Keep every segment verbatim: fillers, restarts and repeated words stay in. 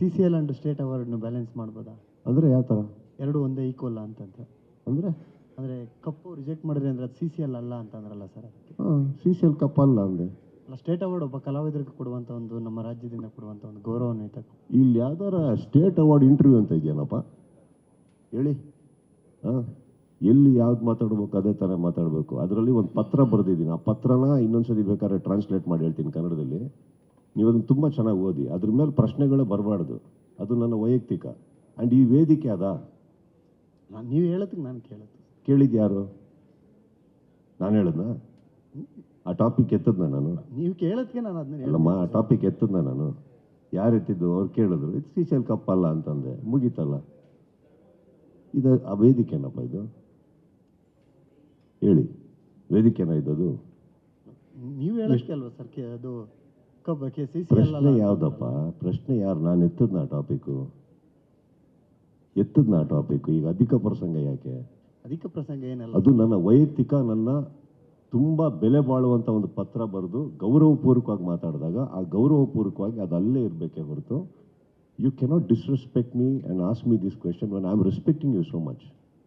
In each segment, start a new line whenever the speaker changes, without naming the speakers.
C C L and state ಅವಾರ್ಡ್ನು balance ಮಾಡ್ಬೋದಾ?
ಅಂದರೆ ಯಾವ ಥರ?
ಎರಡು ಒಂದೇ ಈಕ್ವಲ್ ಅಂತಂತ
ಅಂದರೆ
ಅಂದರೆ ಕಪ್ಪು ರಿಜೆಕ್ಟ್ ಮಾಡಿದ್ರೆ ಅಂದರೆ ಅದು ಸಿ ಸಿ ಎಲ್ ಅಲ್ಲ ಅಂತಂದ್ರಲ್ಲ ಸರ್, ಅದಕ್ಕೆ.
ಹಾಂ, ಸಿ ಸಿ ಎಲ್ ಕಪ್ ಅಲ್ಲ ಅಂದೆ.
ಅಲ್ಲ, ಸ್ಟೇಟ್ ಅವಾರ್ಡ್ ಒಬ್ಬ ಕಲಾವಿದರಿಗೆ ಕೊಡುವಂಥ ಒಂದು, ನಮ್ಮ ರಾಜ್ಯದಿಂದ ಕೊಡುವಂಥ ಒಂದು ಗೌರವಾನ್ವಿತ.
ಇಲ್ಲಿ ಯಾವ್ದಾರ ಸ್ಟೇಟ್ ಅವಾರ್ಡ್ ಇಂಟರ್ವ್ಯೂ ಅಂತ ಇದೆಯೇನಪ್ಪ ಹೇಳಿ? ಹಾಂ, ಎಲ್ಲಿ ಯಾವ್ದು ಮಾತಾಡ್ಬೇಕು ಅದೇ ಥರ ಮಾತಾಡಬೇಕು. ಅದರಲ್ಲಿ ಒಂದು ಪತ್ರ ಬರೆದಿದ್ದೀನಿ. ಆ ಪತ್ರನ ಇನ್ನೊಂದ್ಸತಿ ಬೇಕಾದ್ರೆ ಟ್ರಾನ್ಸ್ಲೇಟ್ ಮಾಡಿ ಹೇಳ್ತೀನಿ ಕನ್ನಡದಲ್ಲಿ. ನೀವು ಅದನ್ನು ತುಂಬ ಚೆನ್ನಾಗಿ ಓದಿ. ಅದ್ರ ಮೇಲೆ ಪ್ರಶ್ನೆಗಳೇ ಬರಬಾರ್ದು. ಅದು ನನ್ನ ವೈಯಕ್ತಿಕ. ಆ್ಯಂಡ್ ಈ ವೇದಿಕೆ ಅದ.
ನಾನು ನೀವು ಹೇಳೋದಕ್ಕೆ ನಾನು ಕೇಳುತ್ತೆ.
ಕೇಳಿದ್ದು ಯಾರು? ನಾನು ಹೇಳದ್ನಾ? ಆ ಟಾಪಿಕ್ ಎತ್ತದ್ನ ನಾನು?
ನೀವು ಕೇಳೋದಕ್ಕೆ ನಾನು ಅದನ್ನ
ಅಲ್ಲಮ್ಮ, ಆ ಟಾಪಿಕ್ ಎತ್ತದ್ನ ನಾನು? ಯಾರು ಎತ್ತಿದ್ದು? ಅವ್ರು ಕೇಳಿದ್ರು, ಇದು ಸಿ ಸಿ ಎಲ್ ಕಪ್ ಅಲ್ಲ ಅಂತಂದೆ, ಮುಗೀತಲ್ಲ. ಇದು ಆ ವೇದಿಕೆನಪ್ಪ ಇದು? ಹೇಳಿ, ವೇದಿಕೆನ ಇದ್ದದು?
ನೀವು ಹೇಳೋದಕ್ಕೆ ಅಲ್ವಾ ಸರ್ ಅದು ಕಬ್ಬ ಕೆ ಸಿ ಸಿ ಎಲ್
ಪ್ರಶ್ನೆ ಯಾವುದಪ್ಪ? ಪ್ರಶ್ನೆ ಯಾರು? ನಾನು ಎತ್ತದ್ನ ಆ ಟಾಪಿಕ್ಕು? ಎತ್ತದ್ನ ಆ ಟಾಪಿಕ್ಕು? ಈಗ ಅಧಿಕ ಪ್ರಸಂಗ ಯಾಕೆ?
ಅಧಿಕ ಪ್ರಸಂಗ ಏನಲ್ಲ,
ಅದು ನನ್ನ ವೈಯಕ್ತಿಕ, ನನ್ನ ತುಂಬ ಬೆಲೆ ಬಾಳುವಂಥ ಒಂದು ಪತ್ರ ಬರೆದು ಗೌರವಪೂರ್ವಕವಾಗಿ ಮಾತಾಡಿದಾಗ ಆ ಗೌರವಪೂರ್ವಕವಾಗಿ ಅದು ಅಲ್ಲೇ ಇರಬೇಕೇ ಹೊರತು you cannot disrespect me and ask me this question when I am respecting you so much.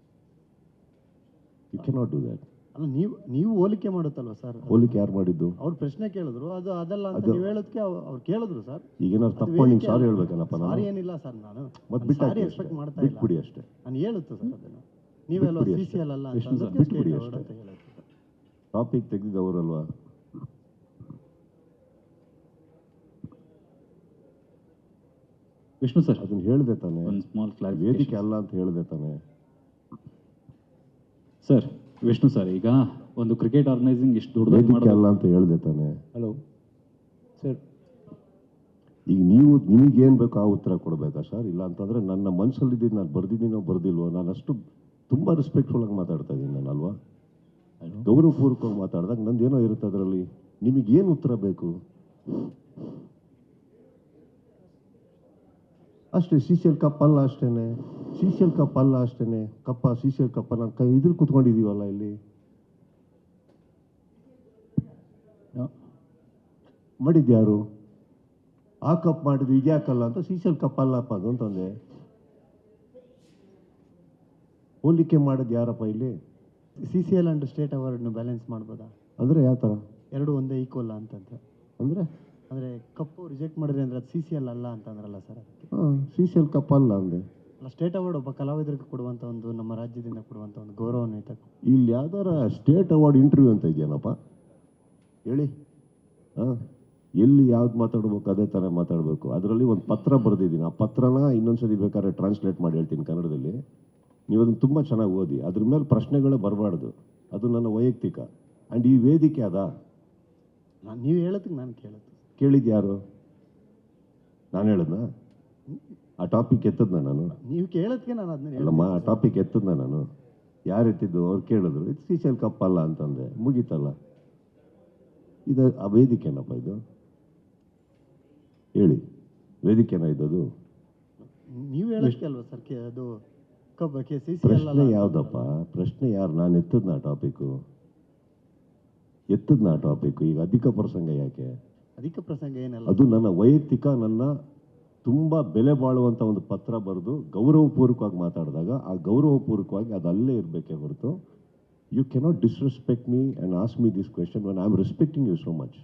You cannot do that.
ಅಲ್ಲ, ನೀವು ನೀವು ಹೋಲಿಕೆ ಮಾಡುತ್ತಲ್ವ ಸರ್?
ಹೋಲಿಕೆ ಯಾರು ಮಾಡಿದ್ದು?
ಅವ್ರು ಪ್ರಶ್ನೆ ಕೇಳಿದ್ರು, ಅದು ಅದಲ್ಲ ಅಂತ ನೀವು ಹೇಳೋದಕ್ಕೆ ಅವ್ರು ಕೇಳಿದ್ರು ಸರ್.
ಈಗ ಏನಾದ್ರು ತಪ್ಪು ಮಾಡಿ ಸಾರಿ ಹೇಳ್ಬೇಕಲ್ಲಪ್ಪ ನಾನು?
ಸಾರಿ ಏನಿಲ್ಲ ಸರ್, ನಾನು
ಮತ್ತೆ ಬಿಟ್ಟು
ಸಾರಿ ಎಕ್ಸ್ಪೆಕ್ಟ್ ಮಾಡ್ತಾ ಇಲ್ಲ.
ಬಿಟ್ಬಿಡಿ ಅಷ್ಟೇ.
ನಾನು ಹೇಳುತ್ತೆ ಸರ್ ಅದನ್ನು. ನೀವೆಲ್ಲ ಸಿ ಸಿ ಎಲ್ ಅಲ್ಲ ಅಂತ
ಬಿಟ್ಬಿಡಿ ಅಷ್ಟೇ.
ಅಂತ ಹೇಳುತ್ತೆ.
ಟಾಪಿಕ್ ತೆಗೆದಿದ್ದವರಲ್ವಾ?
ವಿಷ್ಣು ಸರ್,
ಅದನ್ನ ಹೇಳಿದೆ ತಾನೆ?
ಒಂದು ಸ್ಮಾಲ್ ಕ್ಲಾರಿಫಿಕೇಶನ್.
ವೇದಿಕೆ ಅಲ್ಲ ಅಂತ ಹೇಳಿದೆ ತಾನೆ?
ಸರ್, ವಿಷ್ಣು ಸರ್, ಈಗ ಒಂದು ಕ್ರಿಕೆಟ್ ಆರ್ಗನೈಸಿಂಗ್ ಇಷ್ಟು ದೊಡ್ಡದಾಗಿ
ವೇದಿಕೆ
ಮಾಡೋದು
ಅಲ್ಲ ಅಂತ ಹೇಳಿದೆ ತಾನೆ?
ಹಲೋ ಸರ್,
ಈಗ ನೀವು ನಿಮಗೇನು ಬೇಕೋ ಆ ಉತ್ತರ ಕೊಡಬೇಕಾ ಸರ್? ಇಲ್ಲ ಅಂತಂದರೆ ನನ್ನ ಮನಸ್ಸಲ್ಲಿದ್ದು ನಾನು ಬರ್ದಿದ್ದೀನೋ ಬರ್ದಿಲ್ವೋ, ನಾನು ಅಷ್ಟು ತುಂಬ ರೆಸ್ಪೆಕ್ಟ್ಫುಲ್ ಆಗಿ ಮಾತಾಡ್ತಾ ಇದ್ದೀನಿ ನಾನು, ಅಲ್ವಾ? ಗೌರವಪೂರ್ವಕವಾಗಿ ಮಾತಾಡಿದಾಗ ನಂದೇನೋ ಇರುತ್ತೆ ಅದರಲ್ಲಿ. ನಿಮಗೇನು ಉತ್ತರ ಬೇಕು ಅಷ್ಟೇ. ಸಿ ಸಿ ಎಲ್ ಕಪ್ ಅಲ್ಲ ಅಷ್ಟೇನೆ. ಸಿ ಸಿ ಎಲ್ ಕಪ್ ಅಲ್ಲ ಅಷ್ಟೇನೆ. ಕಪ್ಪ ಸಿ ಸಿ ಎಲ್ ಕಪ್ಪ ನಾನು ಕೈ ಇದ್ರ ಕುತ್ಕೊಂಡಿದ್ದೀವಲ್ಲ ಇಲ್ಲಿ. ಮಾಡಿದ್ಯಾರು? ಆ ಕಪ್ ಮಾಡಿದ್ರು ಇದ್ಯಾಕಲ್ಲ ಅಂತ ಸಿ ಸಿ ಎಲ್ ಕಪ್ ಅಲ್ಲಪ್ಪ ಅದು ಅಂತಂದೆ. ಹೋಲಿಕೆ ಮಾಡೋದು ಯಾರಪ್ಪ ಇಲ್ಲಿ?
C C L and state ಅವಾರ್ಡ್ನು ಬ್ಯಾಲೆನ್ಸ್ ಮಾಡ್ಬೋದಾ?
ಅಂದರೆ ಯಾವ ಥರ?
ಎರಡು ಒಂದೇ ಈಕ್ವಲ್ ಅಂತಂತ
ಅಂದರೆ
ಅಂದರೆ ಕಪ್ಪು ರಿಜೆಕ್ಟ್ ಮಾಡಿದ್ರೆ ಅಂದರೆ ಅದು ಸಿ ಸಿ ಎಲ್ ಅಲ್ಲ ಅಂತಂದ್ರಲ್ಲ ಸರ್, ಅದಕ್ಕೆ.
ಹಾಂ, ಸಿ ಸಿ ಎಲ್ ಕಪ್ ಅಲ್ಲ ಅಂದೆ.
ಅಲ್ಲ, ಸ್ಟೇಟ್ ಅವಾರ್ಡ್ ಒಬ್ಬ ಕಲಾವಿದರಿಗೆ ಕೊಡುವಂಥ ಒಂದು, ನಮ್ಮ ರಾಜ್ಯದಿಂದ ಕೊಡುವಂಥ ಒಂದು ಗೌರವಾನ್ವಿತ.
ಇಲ್ಲಿ ಯಾವ್ದಾರ ಸ್ಟೇಟ್ ಅವಾರ್ಡ್ ಇಂಟರ್ವ್ಯೂ ಅಂತ ಇದೆಯೇನಪ್ಪ ಹೇಳಿ? ಹಾಂ, ಎಲ್ಲಿ ಯಾವ್ದು ಮಾತಾಡ್ಬೇಕು ಅದೇ ಥರ ಮಾತಾಡಬೇಕು. ಅದರಲ್ಲಿ ಒಂದು ಪತ್ರ ಬರೆದಿದ್ದೀನಿ. ಆ ಪತ್ರನ ಇನ್ನೊಂದ್ಸತಿ ಬೇಕಾದ್ರೆ ಟ್ರಾನ್ಸ್ಲೇಟ್ ಮಾಡಿ ಹೇಳ್ತೀನಿ ಕನ್ನಡದಲ್ಲಿ. ನೀವು ಅದನ್ನು ತುಂಬ ಚೆನ್ನಾಗಿ ಓದಿ. ಅದ್ರ ಮೇಲೆ ಪ್ರಶ್ನೆಗಳೇ ಬರಬಾರ್ದು. ಅದು ನನ್ನ ವೈಯಕ್ತಿಕ. ಆ್ಯಂಡ್ ಈ ವೇದಿಕೆ ಅದ.
ನಾನು ನೀವು ಹೇಳೋದಕ್ಕೆ ನಾನು ಕೇಳುತ್ತೆ.
ಕೇಳಿದ್ದು ಯಾರು? ನಾನು ಹೇಳದ್ನಾ? ಆ ಟಾಪಿಕ್ ಎತ್ತದ್ನ ನಾನು?
ನೀವು ಕೇಳೋದಕ್ಕೆ ನಾನು ಅದನ್ನ
ಅಲ್ಲಮ್ಮ, ಆ ಟಾಪಿಕ್ ಎತ್ತದ್ನ ನಾನು? ಯಾರು ಎತ್ತಿದ್ದು? ಅವ್ರು ಕೇಳಿದ್ರು, ಇದು ಸಿ ಸಿ ಎಲ್ ಕಪ್ ಅಲ್ಲ ಅಂತಂದೆ, ಮುಗೀತಲ್ಲ. ಇದು ಆ ವೇದಿಕೆನಪ್ಪ ಇದು? ಹೇಳಿ, ವೇದಿಕೆನ ಇದ್ದದು?
ನೀವು ಹೇಳೋದಕ್ಕೆ ಅಲ್ವಾ ಸರ್ ಅದು ಕಬ್ಬ ಕೆ ಸಿ ಸಿ ಎಲ್
ಪ್ರಶ್ನೆ ಯಾವುದಪ್ಪ? ಪ್ರಶ್ನೆ ಯಾರು? ನಾನು ಎತ್ತದ್ನ ಆ ಟಾಪಿಕ್ಕು? ಎತ್ತದ್ನ ಆ ಟಾಪಿಕ್ಕು? ಈಗ ಅಧಿಕ ಪ್ರಸಂಗ ಯಾಕೆ?
ಅಧಿಕ ಪ್ರಸಂಗ ಏನಲ್ಲ,
ಅದು ನನ್ನ ವೈಯಕ್ತಿಕ, ನನ್ನ ತುಂಬ ಬೆಲೆ ಬಾಳುವಂಥ ಒಂದು ಪತ್ರ ಬರೆದು ಗೌರವಪೂರ್ವಕವಾಗಿ ಮಾತಾಡಿದಾಗ ಆ ಗೌರವಪೂರ್ವಕವಾಗಿ ಅದು ಅಲ್ಲೇ ಇರಬೇಕೇ ಹೊರತು you cannot disrespect me and ask me this question when I am respecting you so much.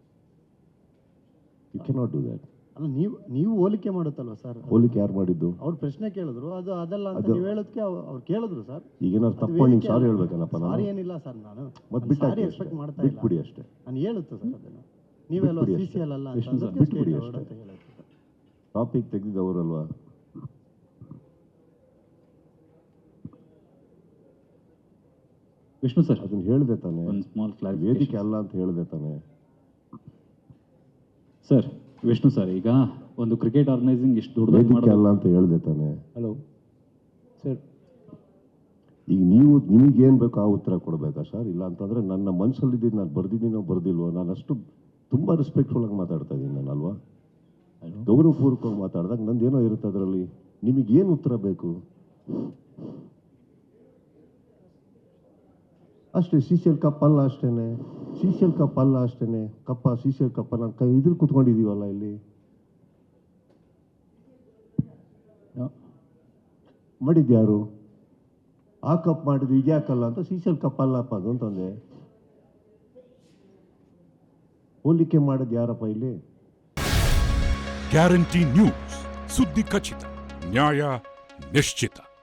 You cannot do that.
ಅಲ್ಲ, ನೀವು ನೀವು ಹೋಲಿಕೆ ಮಾಡುತ್ತಲ್ವ ಸರ್?
ಹೋಲಿಕೆ ಯಾರು ಮಾಡಿದ್ದು?
ಅವ್ರು ಪ್ರಶ್ನೆ ಕೇಳಿದ್ರು, ಅದು ಅದಲ್ಲ ಅಂತ ನೀವು ಹೇಳೋದಕ್ಕೆ ಅವ್ರು ಕೇಳಿದ್ರು ಸರ್.
ಈಗ ಏನಾದ್ರು ತಪ್ಪು ಮಾಡಿ ಸಾರಿ ಹೇಳ್ಬೇಕಲ್ಲಪ್ಪ ನಾನು?
ಸಾರಿ ಏನಿಲ್ಲ ಸರ್, ನಾನು
ಮತ್ತೆ ಬಿಟ್ಟು
ಸಾರಿ ಎಕ್ಸ್ಪೆಕ್ಟ್ ಮಾಡ್ತಾ ಇಲ್ಲ.
ಬಿಟ್ಬಿಡಿ ಅಷ್ಟೇ.
ನಾನು ಹೇಳುತ್ತೆ ಸರ್ ಅದನ್ನು. ನೀವೆಲ್ಲ ಸಿ ಸಿ ಎಲ್ ಅಲ್ಲ ಅಂತ
ಬಿಟ್ಬಿಡಿ
ಸ್ಟೇಟ್
ಅಷ್ಟೇ.
ಅವಾರ್ಡ್ ಅಂತ ಹೇಳುತ್ತೆ.
ಟಾಪಿಕ್ ತೆಗೆದಿದ್ದವರಲ್ವಾ?
ವಿಷ್ಣು ಸರ್,
ಅದನ್ನ ಹೇಳಿದೆ ತಾನೆ?
ಒಂದು ಸ್ಮಾಲ್ ಕ್ಲಾರಿಫಿಕೇಶನ್.
ವೇದಿಕೆ ಅಲ್ಲ ಅಂತ ಹೇಳಿದೆ ತಾನೆ?
ಸರ್, ವಿಷ್ಣು ಸರ್, ಈಗ ಒಂದು ಕ್ರಿಕೆಟ್ ಆರ್ಗನೈಸಿಂಗ್ ಇಷ್ಟು ದೊಡ್ಡದಾಗಿ
ವೇದಿಕೆ
ಮಾಡೋದು
ಅಲ್ಲ ಅಂತ ಹೇಳಿದೆ ತಾನೆ?
ಹಲೋ ಸರ್,
ಈಗ ನೀವು ನಿಮಗೇನು ಬೇಕೋ ಆ ಉತ್ತರ ಕೊಡಬೇಕಾ ಸರ್? ಇಲ್ಲ ಅಂತಂದರೆ ನನ್ನ ಮನಸ್ಸಲ್ಲಿದ್ದು ನಾನು ಬರ್ದಿದ್ದೀನೋ ಬರ್ದಿಲ್ವೋ, ನಾನು ಅಷ್ಟು ತುಂಬ ರೆಸ್ಪೆಕ್ಟ್ಫುಲ್ ಆಗಿ ಮಾತಾಡ್ತಾ ಇದ್ದೀನಿ ನಾನು, ಅಲ್ವಾ? ಗೌರವಪೂರ್ವಕವಾಗಿ ಮಾತಾಡಿದಾಗ ನಂದೇನೋ ಇರುತ್ತೆ ಅದರಲ್ಲಿ. ನಿಮಗೇನು ಉತ್ತರ ಬೇಕು ಅಷ್ಟೇ. ಸಿ ಸಿ ಎಲ್ ಕಪ್ ಅಲ್ಲ ಅಷ್ಟೇನೆ. ಸಿ ಸಿ ಎಲ್ ಕಪ್ ಅಲ್ಲ ಅಷ್ಟೇನೆ. ಕಪ್ಪ ಸಿ ಸಿ ಎಲ್ ಕಪ್ಪ ನಾನು ಕೈ ಇದ್ರ ಕುತ್ಕೊಂಡಿದ್ದೀವಲ್ಲ ಇಲ್ಲಿ. ಮಾಡಿದ್ಯಾರು? ಆ ಕಪ್ ಮಾಡಿದ್ದು ಇದ್ಯಾಕಲ್ಲ ಅಂತ ಸೀಸಲ್ ಕಪ್ ಅಲ್ಲಪ್ಪ ಅದು ಅಂತಂದೆ. ಹೋಲಿಕೆ ಮಾಡೋದು ಯಾರಪ್ಪ ಇಲ್ಲಿ?
ಗ್ಯಾರಂಟಿ ನ್ಯೂಸ್, ಸುದ್ದಿ ಖಚಿತ, ನ್ಯಾಯ ನಿಶ್ಚಿತ.